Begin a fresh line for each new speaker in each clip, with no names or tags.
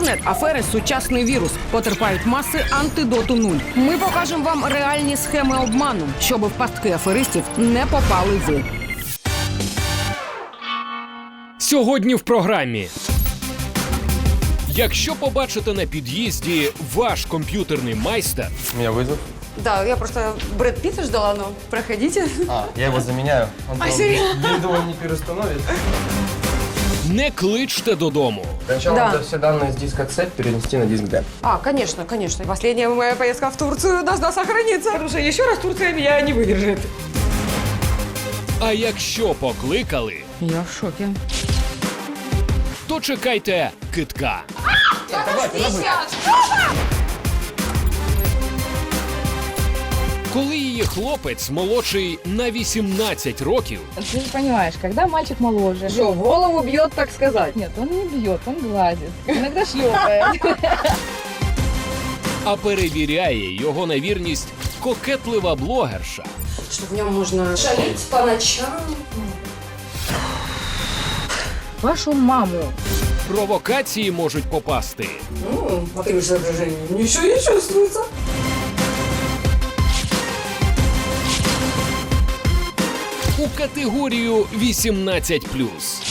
Інтернет-афери – сучасний вірус. Потерпають маси, антидоту нуль. Ми покажемо вам реальні схеми обману, щоб в пастки аферистів не попали ви.
Сьогодні в програмі. Якщо побачите на під'їзді ваш комп'ютерний майстер,
У меня вызов.
Да, я просто Брэд Питта ждала, но проходите.
Я его заменяю. Он
серьезно?
бинду он не переустановит.
не кличте додому.
Сначала
Да.
надо все данные с диска C перенести на диск D.
Конечно, конечно. Последняя моя поездка в Турцию должна сохраниться. Потому что еще раз Турция меня не выдержит.
А якщо покликали,
Я в шокі.
то чекайте кидка. Коли її хлопець молодший на 18 років,
Ты же понимаешь, когда мальчик моложе.
Что, в голову бьет, так сказать?
Нет, он не бьет, он гладит. Иногда шлепает.
а перевіряє його на вірність кокетлива блогерша,
Что в нем можно шалить по ночам.
Вашу маму.
провокації можуть попасти.
По таким соображениям ничего не чувствуется.
У категорію 18+.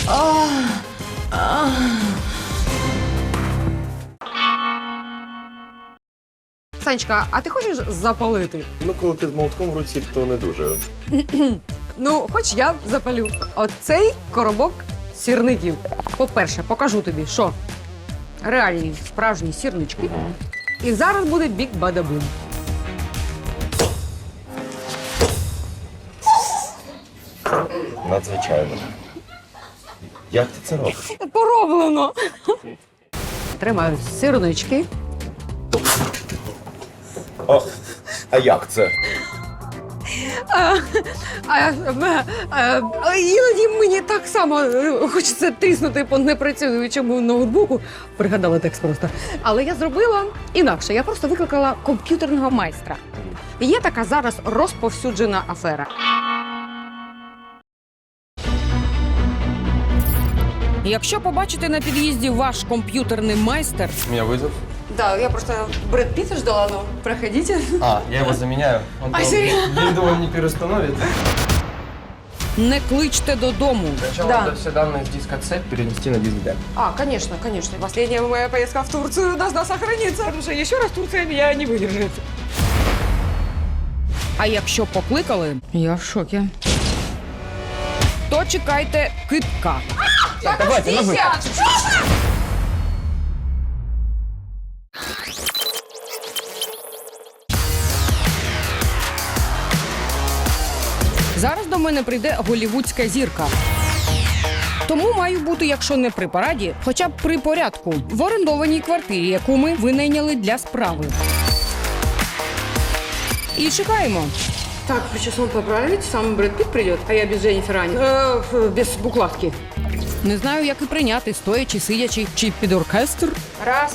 Санечка, а ти хочеш запалити?
Ну, коли ти з молотком в руці, то не дуже.
Ну, хоч я запалю. Оцей коробок сірників. По-перше, покажу тобі, що реальні справжні сірнички. І зараз буде бік-бада-бум.
Надзвичайно. Як ти це робиш?
Пороблено. Тримаю сирнички.
О, а як це?
Іноді мені так само хочеться тріснути по непрацюючому ноутбуку. Пригадала текст просто. Але я зробила інакше. Я просто викликала комп'ютерного майстра. Є така зараз розповсюджена афера.
Якщо побачите на під'їзді ваш комп'ютерний майстер,
У меня вызов.
Да, я просто Брэд Питта ждала, но проходите.
Я его заменяю. Он
серьезно?
бинду он не переустановит.
не кличте додому.
Сначала
Да.
надо все данные с диска C перенести на диск D.
Конечно, конечно. Последняя моя поездка в Турцию должна сохраниться. Потому что еще раз Турция меня не выдержит.
А якщо покликали, я в шокі. То чекайте кидка.
Давайте, на выход.
Зараз до мене прийде голівудська зірка. Тому маю бути, якщо не при параді, хоча б при порядку, в орендованій квартирі, яку ми винайняли для справи. І чекаємо.
Так, причесон поправить, сам Брэд Питт придет, а я без Дженнифер Ани. Без букладки.
Не знаю, як і прийняти, стоячи, сидячи, чи під оркестр.
Раз.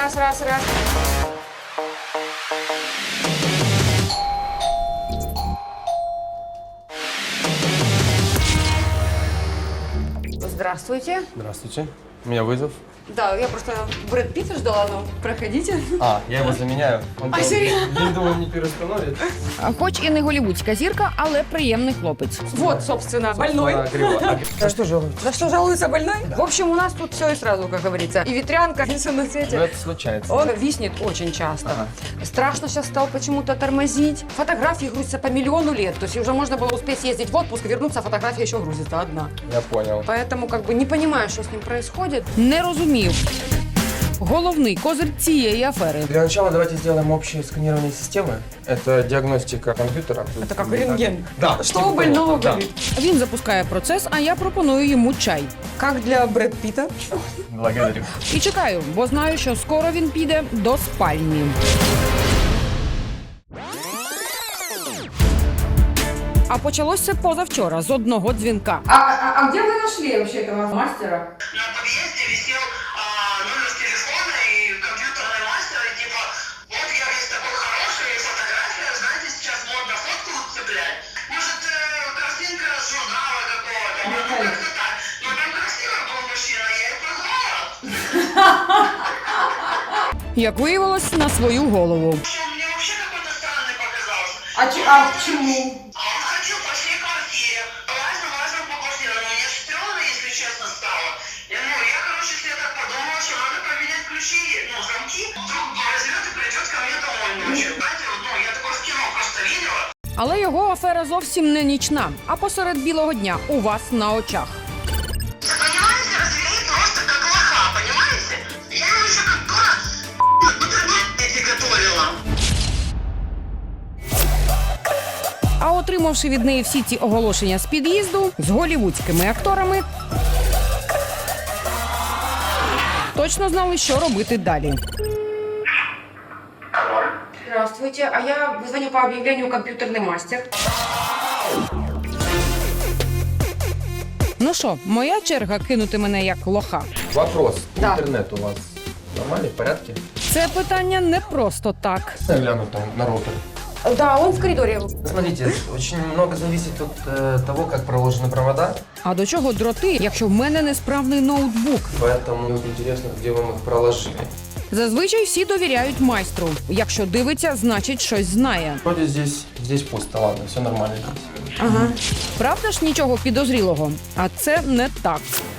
Здравствуйте.
Здравствуйте. У меня вызов.
Да, я просто Брэд Питта ждала, но проходите.
Я его заменяю. Он
серьезно?
бинду он не переустановит.
Хоч і не голівудська зірка, але приємний хлопець.
Вот, собственно, больной.
За что жалуетесь?
За что жалуется больной? В общем, у нас тут все и сразу, как говорится. И ветрянка, и все на
Ну,
свете.
это случается.
Он виснет очень часто. Страшно сейчас стал почему-то тормозить. Фотографии грузятся по миллиону лет. То есть уже можно было успеть съездить в отпуск, вернуться, а фотография еще грузится одна.
Я понял.
Поэтому как бы не понимаю, что с ним происходит.
Не розумів. Головний козир цієї афери.
Для начала давайте сделаем общее сканирование системы. Это диагностика компьютера.
Это как рентген.
Да.
Что у больного болит?
Він запускає процес, а я пропоную йому чай.
Как для Брэд Питта.
Благодарю.
І чекаю, бо знаю, що скоро він піде до спальні. А почалося позавчора з одного дзвінка.
А где вы нашли вообще этого мастера?
На подъезде висел номер телефона и компьютерный мастер, и типа, вот я весь такой хороший, фотография, знаете, сейчас модно фотку цеплять. Может, картинка с журнала какого-то, ну как-то так. Но там красивый был мужчина, я и позвала.
як виявилось, на свою голову.
Он мне вообще какой-то странный показался.
А почему?
А он ходил по всей квартире, лазил по квартире, но мне стрёмно, если честно, стало. Я, короче, себе так подумала, что надо поменять ключи, замки, вдруг возьмет и придет ко мне домой ночью. Знаете, я такое в кино просто видела.
Але його афера зовсім не нічна, а посеред білого дня у вас на очах.
Понимаете, развели просто как лоха, понимаете? Я ему еще как дура бутерброды готовила.
А отримавши від неї всі ці оголошення з під'їзду з голівудськими акторами, точно знали, що робити далі.
Здравствуйте, а я звоню по объявлению «Компьютерный мастер».
Ну що, моя черга кинути мене як лоха?
Вопрос.
Да.
Интернет у вас нормальный, в порядке?
Це питання не просто так.
Гляну там на роутер.
Да, он в коридоре.
Смотрите, очень много зависит от того, как проложены провода.
А до чого дроти, якщо в мене несправний ноутбук?
Поэтому мне вот интересно, где вам их проложили.
Зазвичай всі довіряють майстру. Якщо дивиться, значить щось знає.
Вроде здесь пусто, ладно, все нормально здесь.
Ага. Правда ж нічого підозрілого? А це не так.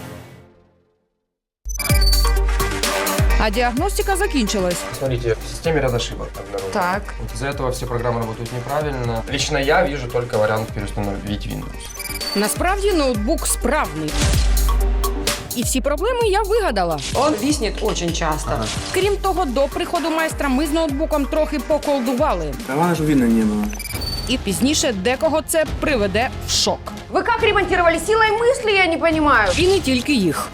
А діагностика закінчилась.
Смотрите, в системе ряд ошибок обнаружено.
Так.
Вот из-за этого все программы работают неправильно. Лично я вижу только вариант переустановить Windows.
Насправді ноутбук справний. І всі проблеми я вигадала.
Он виснет очень часто.
Крім того, до приходу майстра ми з ноутбуком трохи поколдували.
Главное, чтобы видно не было.
І пізніше декого це приведе в шок.
Вы как ремонтировали? Силой мысли, я не понимаю.
І не тільки їх.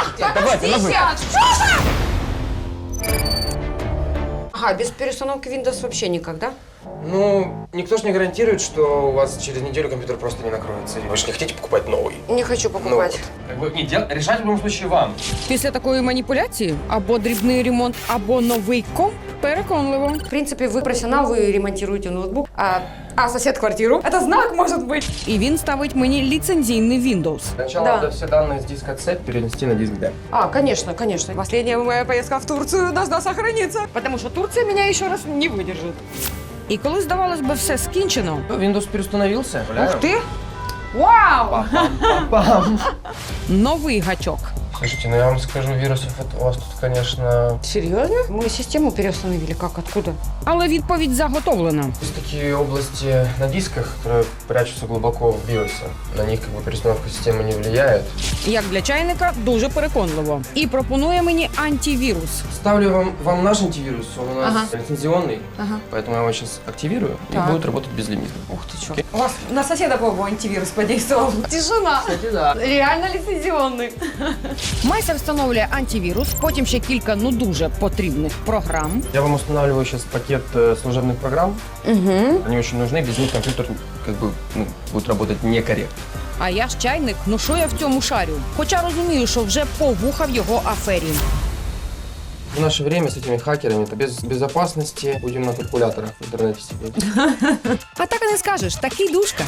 Ага, без переустановки Windows вообще никак, да?
Ну, никто же не гарантирует, что у вас через неделю компьютер просто не накроется. Вы же не хотите покупать новый?
Не хочу покупать.
Как бы, решать в любом случае вам.
Після такої маніпуляції або дрібний ремонт, або новий комп переконливо.
В принципе, вы профессионал, вы ремонтируете ноутбук, а сосед квартиру. Это знак, может быть.
І він ставить мені ліцензійний Windows.
Сначала
Да.
надо все данные с диска C перенести на диск D.
Конечно, конечно. Последняя моя поездка в Турцию должна сохраниться. Потому что Турция меня еще раз не выдержит.
І коли, здавалось би, все скінчено,
Windows переустановился.
Ух ты! Вау!
Пам.
новий гачок.
Слушайте, ну я вам скажу, вирусов у вас тут, конечно...
Серьезно? Мы систему переустановили. Как? Откуда?
Але відповідь заготовлена.
Есть такие области на дисках, которые прячутся глубоко в биосе. На них как бы переустановка системы не влияет.
Як для чайника, дуже переконливо. І пропонує мені антивірус.
Ставлю вам наш антивирус, он у нас
Ага.
лицензионный,
Ага.
поэтому я его сейчас активирую
Так.
и будет работать безлимитно.
Ух ты, чё. У вас на соседа, по-моему, антивирус подействовал. Тишина.
Кстати, да.
Реально лицензионный.
Майстер встановлює антивірус, потім ще кілька дуже потрібних програм.
Я вам устанавливаю сейчас пакет служебных программ.
Угу.
Они очень нужны, без них компьютер как бы будет работать некорректно.
А я ж чайник, ну що я в цьому шарю? Хоча розумію, що вже повуха в його афері.
В наше время с этими хакерами это без безопасности будем на калькуляторах в интернете сидеть.
А так і не скажеш, такий душка.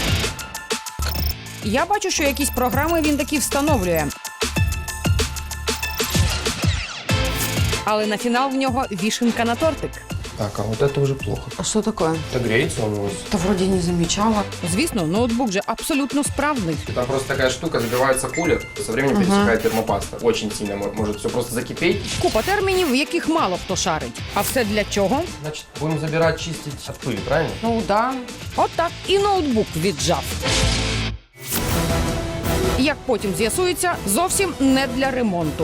Я бачу, що якісь програми він таки встановлює. Але на фінал в нього вішенка на тортик.
Так, а вот это уже плохо.
А что такое?
Это греется он у вас.
Да вроде не замечала.
Звісно, ноутбук же абсолютно справний.
Там просто такая штука, забивается кулер, со временем пересыхает термопаста. Очень сильно может все просто закипеть.
Купа термінів, яких мало хто шарить. А все для чого?
Значит, будем забирать, чистить от пыли, правильно?
Ну да.
От так і ноутбук віджав. Як потім з'ясується, зовсім не для ремонту.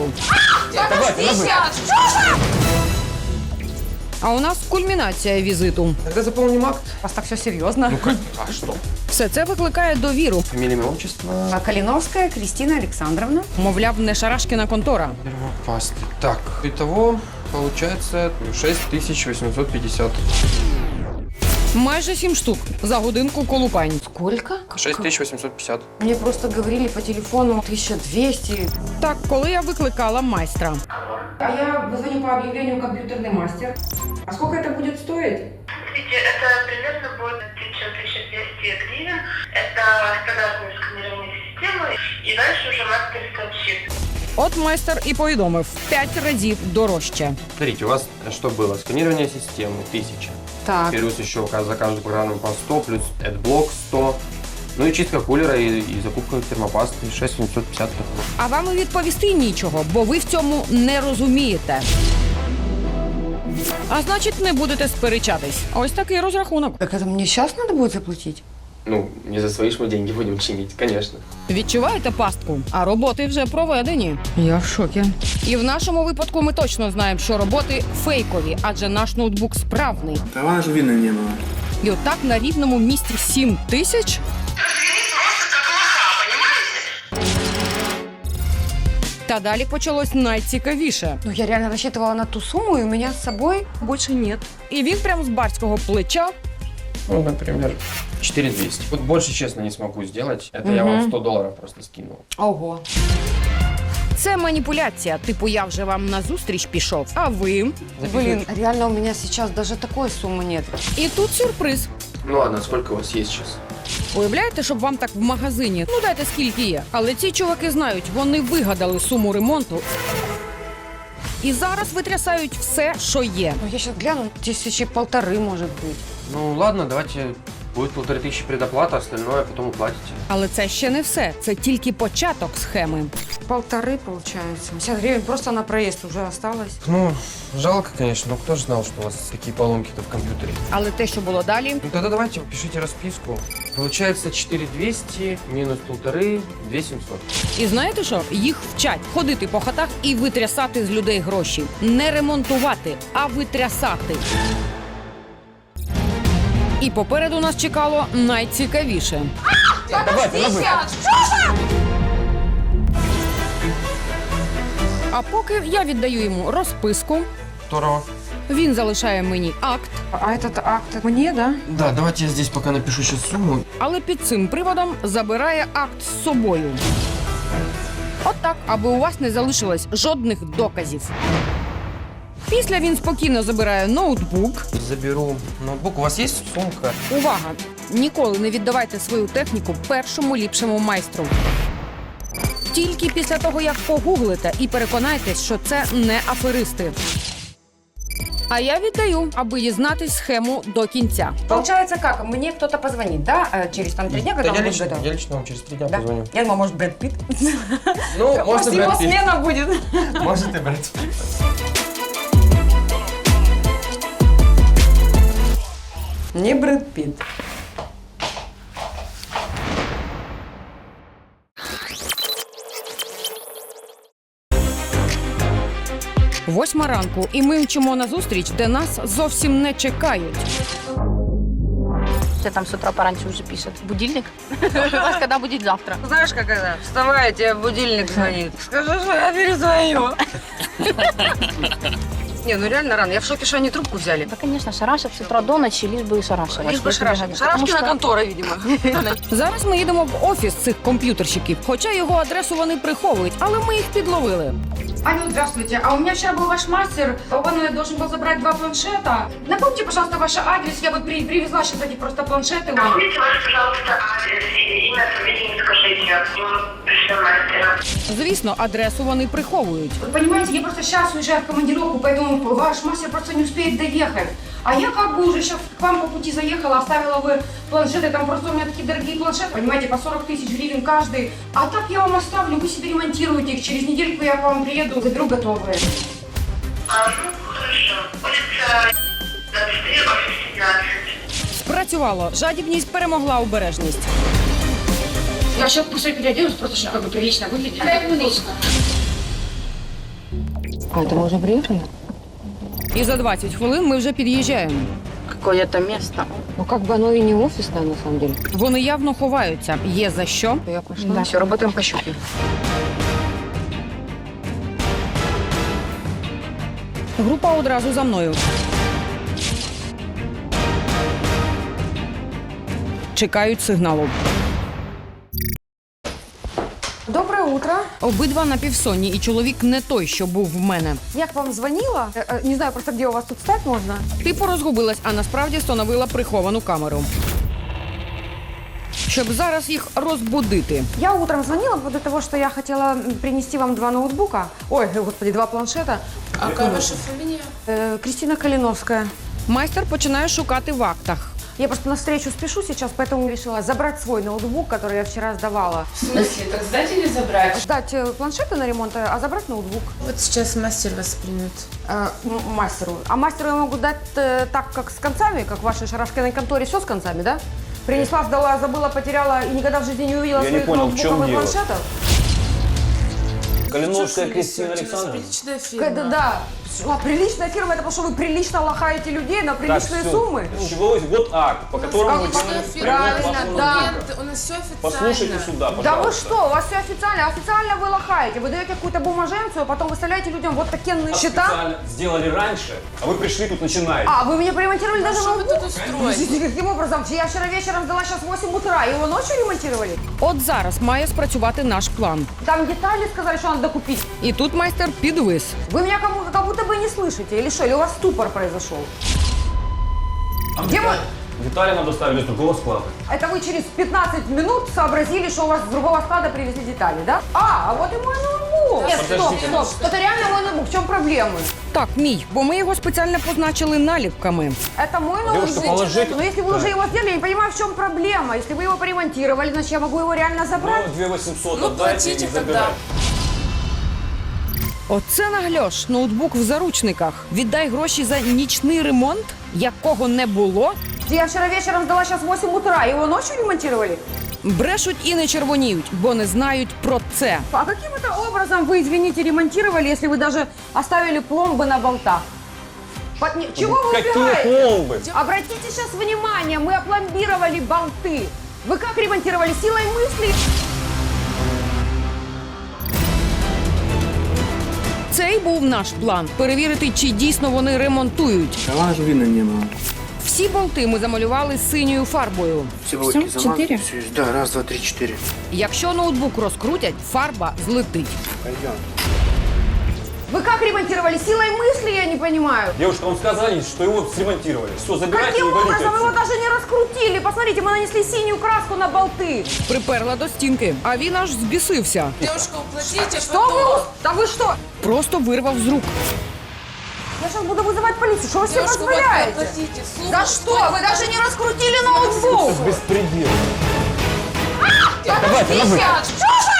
А у нас кульмінація візиту.
Тогда заполним акт.
У вас так все серьезно.
Ну как? А что?
Все це викликає довіру.
Фамилия, имя, отчество.
Калиновская Кристина Александровна.
Мовляв, не шарашкіна контора.
Первопасты. Так, итого получается 6850.
Майже 7 штук за годинку колупань.
Сколько?
6850.
Мне просто говорили по телефону 1200.
Так, коли я викликала майстра.
А я звоню по объявлению «Компьютерный мастер». А сколько это будет стоить?
Смотрите, это примерно будет 1200 гривен. Это стандартное сканирование системы. И дальше уже мастер сообщит.
От майстер і повідомив – 5 разів дорожче.
Смотрите, у вас что было? Сканирование системы 1000.
Так.
Плюс еще за каждую программу по 100, плюс AdBlock 100. Ну и чистка кулера и закупка термопасты 6750.
А вам і відповісти нічого, бо ви в цьому не розумієте. А значить, не будете сперечатись. Ось такий розрахунок.
Так это мне сейчас надо будет заплатить?
Ну, не за свои ж мы деньги будем чинить, конечно.
Відчуваєте пастку? А роботи вже проведені.
Я в шоке.
І в нашому випадку ми точно знаємо, що роботи фейкові, адже наш ноутбук справний.
Права же видно не было.
І отак на рівному місці 7 тисяч? Та далі почалось найцікавіше.
Ну, я реально рассчитывала на ту сумму, и у меня с собой больше нет.
І він прям з барського плеча
Ну, например, 4200. Вот больше, честно, не смогу сделать. Это я вам $100 просто скинул.
Ого.
це маніпуляція. Типу, я вже вам на зустріч пішов, а ви?
Блин, реально у меня сейчас даже такой суммы нет.
І тут сюрприз.
Ну ладно, сколько у вас есть сейчас?
Уявляєте, щоб вам так в магазині? Ну дайте скільки є. Але ці чуваки знають, вони вигадали суму ремонту. І зараз витрясають все, що є.
Ну, я сейчас гляну, 1500, может быть.
Ну ладно, давайте, будет 1500 предоплата, остальное потом уплатите.
Але це ще не все. Це тільки початок схеми.
1500, получается. 50 гривен просто на проезд уже осталось.
Ну, жалко, конечно, но кто же знал, что у вас такие поломки-то в компьютере?
Але те, що було далі,
Ну тогда давайте пишите расписку. Получается 4200 минус 1500, 2700.
і знаєте що? Їх вчать ходити по хатах і витрясати з людей гроші. Не ремонтувати, а витрясати. І попереду нас чекало найцікавіше. А поки я віддаю йому розписку,
Здорово.
він залишає мені акт,
А этот акт мне, да?
Да, давайте я здесь пока напишу сейчас сумму.
але під цим приводом забирає акт з собою. От так, аби у вас не залишилось жодних доказів. Після він спокійно забирає ноутбук.
Заберу ноутбук. У вас есть сумка?
Увага! Ніколи не віддавайте свою техніку першому ліпшому майстру. Тільки після того, як погуглите і переконайтесь, що це не аферисти. А я віддаю, аби дізнатись схему до кінця.
Получается как? Мне кто-то позвонит, да? Через там 3 дня, когда он будет готов?
я лично вам через 3 дня
Да?
позвоню.
Я думала, может, Брэд Питт.
Ну,
Может,
можно
его
брать.
смена будет.
Может и брать.
Не Брэд Питт.
Восьма ранку, і ми мчимо на зустріч, де нас зовсім не чекають.
Все там с утра пораньше уже пишет. Будильник? Вас когда будет завтра?
Знаешь, как это? Вставай, тебе будильник звонит. Скажи, что я перезвоню. Не, ну реально рано. Я в шоке, что они трубку взяли.
Да, конечно, шарашат с утра до ночи, лишь бы и шарашивать.
Лишь бы шарашить. Шарашкина контора, видимо.
Зараз ми їдемо в офіс цих комп'ютерщиків, хоча його адресу вони приховують, але ми їх підловили.
Алло, здравствуйте. А у меня вчера был ваш мастер. Он должен был забрать 2 планшета. Напомните, пожалуйста, ваш адрес. Я бы привезла сейчас эти просто планшеты.
Напомните ваш, пожалуйста, адрес и имя, фамилию скажите. Мы пришлем мастера.
Звісно, адресу вони приховують.
Вы понимаете, я просто сейчас уезжаю в командировку, поэтому ваш мастер просто не успеет доехать. А я как бы уже сейчас к вам по пути заехала, оставила бы планшеты, там просто у меня такие дорогие планшеты, понимаете, по 40 тысяч гривен каждый. А так я вам оставлю, вы себе ремонтируете их, через недельку я к вам приеду, заберу готовые.
Ну, хорошо. Улица 23, офис 17.
Спрацювало. Жадібність перемогла обережність.
Я сейчас быстро переоденусь, просто чтобы как бы прилично выглядеть.
А это мы уже приехали?
І за 20 хвилин ми вже під'їжджаємо.
Какое-то место.
Ну, как бы оно и не офисное, на самом деле.
Вони явно ховаються. Є за що.
Я пошла.
Да, все, работаем по щуке.
Група одразу за мною. Чекають сигналу.
Доброе утро.
Обидва напівсонні, і чоловік не той, що був в мене.
Я к вам звонила. Не знаю просто, где у вас тут стать можно.
Типу розгубилась, а насправді встановила приховану камеру. щоб зараз їх розбудити.
Я утром звонила по поводу того, что я хотела принести вам 2 ноутбука. Ой, господи, 2 планшета.
А какая ваша фамилия?
Кристина Калиновская.
Майстер починає шукати в актах.
Я просто на встречу спешу сейчас, поэтому решила забрать свой ноутбук, который я вчера сдавала.
В смысле? Так сдать или забрать?
Ждать планшеты на ремонт, а забрать ноутбук
Вот сейчас мастер вас примет.
мастеру. А мастеру я могу дать так, как с концами, как в вашей шарашкиной конторе, все с концами, да? Принесла, сдала, забыла, потеряла и никогда в жизни не увидела
Я не
своих
понял, в
ноутбуков
чем
и
дело?
планшетов.
Калиновская Кристина Александровна?
Приличная фирма.
Да. А приличная фирма, это потому что вы прилично лохаете людей на приличные суммы.
С чего вы- вот акт, по которому вы
Приличная
делаете
фирма,
ремонт
правильно,
вашего
да.
ноутбука.
У нас все официально.
Послушайте сюда, пожалуйста.
Да вы что, у вас все официально. Официально вы лохаете. Вы даете какую-то бумаженцию, а потом выставляете людям вот такие счета.
Специально сделали раньше, а вы пришли тут начинаете.
А, вы меня поремонтировали даже
Что вы
ноутбук?
тут устроили?
Подождите, каким образом? Я вчера вечером сдала, сейчас 8 утра. Его ночью ремонтировали?
От зараз має спрацювати наш план.
Там детали сказали, что надо докупить.
І тут майстер підвис.
Вы меня как будто бы не слышите. Или что? Или у вас ступор произошел? Где мы?
Детали нам доставили с другого склада.
Это вы через 15 минут сообразили, что у вас с другого склада привезли детали, да? А вот и мой ноутбук. Нет, стоп. Это реально мой ноутбук. В чем проблемы?
Так, мій, бо ми його спеціально позначили наліпками.
Это мой
Девушка,
ноутбук.
положите.
Но если вы уже его сделали, я не понимаю, в чем проблема. Если вы его поремонтировали, значит, я могу его реально забрать.
Ну, 2800
Ну,
отдайте
платите
и
тогда.
забирайте.
Оце нагльош, ноутбук в заручниках. Віддай гроші за нічний ремонт, якого не було.
Я вчера вечером сдала, сейчас 8 утра. Его ночью ремонтировали?
Брешуть і не червоніють, бо не знають про це.
А каким это образом вы, извините, ремонтировали, если вы даже оставили пломбы на болтах? Чего вы
Какие
убегаете?
пломбы?
Обратите сейчас внимание, мы опломбировали болты. Вы как ремонтировали? Силой мысли?
Це й був наш план – перевірити, чи дійсно вони ремонтують.
Права аж видно не было.
Всі болти ми замалювали синьою фарбою.
Все болтики замазаны. Да, раз, два, три, 4.
Якщо ноутбук розкрутять, фарба злетить.
Пойдем.
Вы как ремонтировали? Силой мысли, я не понимаю.
Девушка, вам сказали, что его сремонтировали. Все, забирайте
Каким
и валите
образом? Его
отсюда.
даже не раскрутили. Посмотрите, мы нанесли синюю краску на болты.
Приперла до стінки, а він аж збісився.
Девушка, уплатите,
Что вы? Да вы что?
Просто вирвав з рук.
Я сейчас буду вызывать полицию. Что вы себе
Девушка, вот
позволяете?
оплатите.
За что? Вы даже не раскрутили ноутбук.
Беспредел.
Подождите! Что же?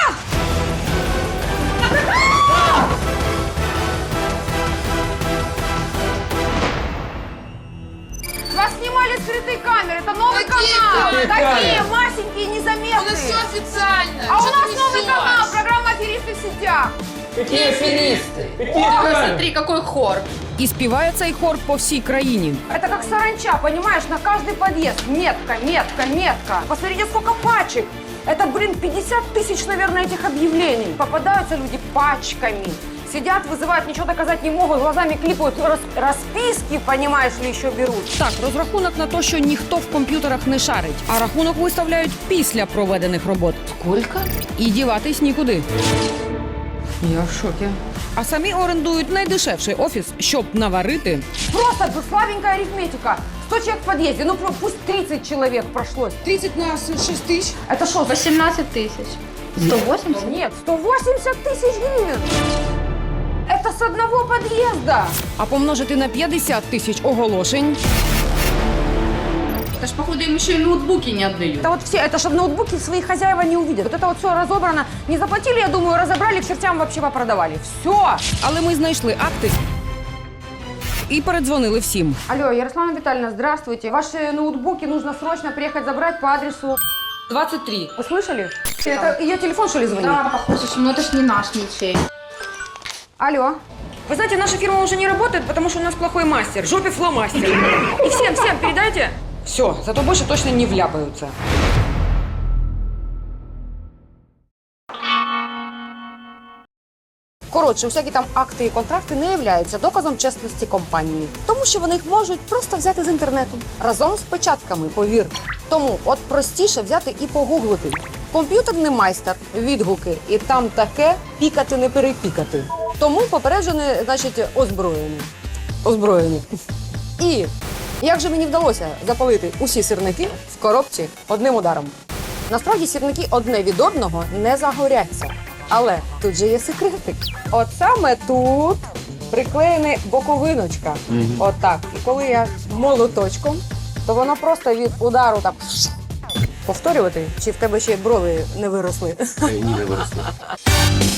Вас снимали скрытые камеры. Это новый
Какие
канал.
камеры?
Такие масенькие,
У нас
незаметные.
все официально.
А у
Что
нас
ты
новый
несешь?
канал. Программа «Аферисты в сетях».
Какие аферисты? Ой, смотри, какой хор.
І співає цей хор по всій країні.
Это как саранча, понимаешь, на каждый подъезд. Метка, метка, метка. Посмотрите, сколько пачек. Это, 50 тысяч, наверное, этих объявлений. Попадаются люди пачками. Сидят, вызывают, ничего доказать не могут, глазами клипают, расписки, понимаешь ли, еще берут.
Так, розрахунок на те, що ніхто в комп'ютерах не шарить, а рахунок виставляють після проведених робот.
Сколько?
І діватись нікуди.
Я в шоке.
А самі орендують найдешевший офіс, щоб наварити.
Просто слабенькая арифметика. 100 человек в подъезде, ну пусть 30 человек прошлось. 30 на 6 тысяч. Это что?
18 тысяч. 180?
Нет, 180 тысяч гривен. Это с одного подъезда.
А помножити на 50 тисяч оголошень.
Это ж, походу, им еще и ноутбуки не отдают.
Это вот все, это чтобы ноутбуки свои хозяева не увидят. Вот это вот все разобрано. Не заплатили, я думаю, разобрали, к чертям вообще попродавали. Все.
Але ми знайшли акти і передзвонили всім.
Алло, Ярослава Витальевна, здравствуйте. Ваши ноутбуки нужно срочно приехать забрать по адресу 23. Вы слышали? Это ее телефон, что ли, звонит?
Да, похоже, ну это ж не наш ничей.
Алло. Вы знаете, наша фирма уже не работает, потому что у нас плохой мастер. Жопе фломастер. И всем передайте. Все, зато больше точно не вляпаются. Коротше, всякі там акти і контракти не являються доказом чесності компанії, тому що вони їх можуть просто взяти з інтернету разом з печатками, повір. Тому от простіше взяти і погуглити. Комп'ютерний майстер, відгуки, і там таке пікати не перепікати. Тому попереджені, значить, озброєні. Озброєні. І як же мені вдалося запалити усі сирники в коробці одним ударом? Насправді сірники одне від одного не загоряться. Але тут же є секретик. От саме тут приклеєна боковиночка. От так. І коли я молоточком, то воно просто від удару так повторювати, чи в тебе ще брови не виросли.
Ні, не виросли.